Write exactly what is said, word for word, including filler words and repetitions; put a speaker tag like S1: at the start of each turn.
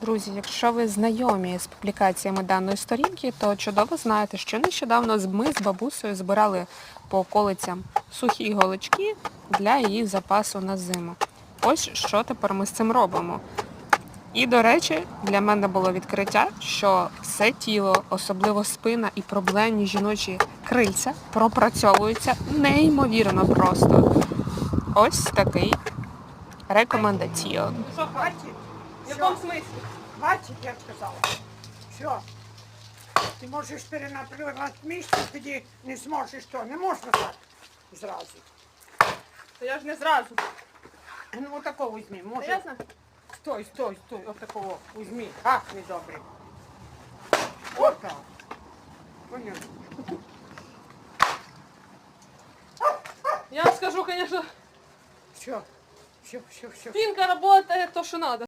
S1: Друзі, якщо ви знайомі з публікаціями даної сторінки, то чудово знаєте, що нещодавно ми з бабусею збирали по околицям сухі голочки для її запасу на зиму. Ось що тепер ми з цим робимо. І, до речі, для мене було відкриття, що все тіло, особливо спина і проблемні жіночі крильця пропрацьовуються неймовірно просто. Ось такий рекомендаціон.
S2: Що, хватить? В якому смислі? Хватить, я сказала. Все. Ти можеш перенапрягати місце, тоді не зможеш то. Не можна так зразу.
S3: То я ж не зразу.
S2: Ну, отакого візьми.
S3: Та
S2: Може,
S3: я знаю.
S2: стой, стой, стой, отакого візьми. Ах, недобре. Отак. Поняв?
S3: Я вам скажу, звісно,
S2: Все, все, все, все.
S3: спинка працює то, що треба.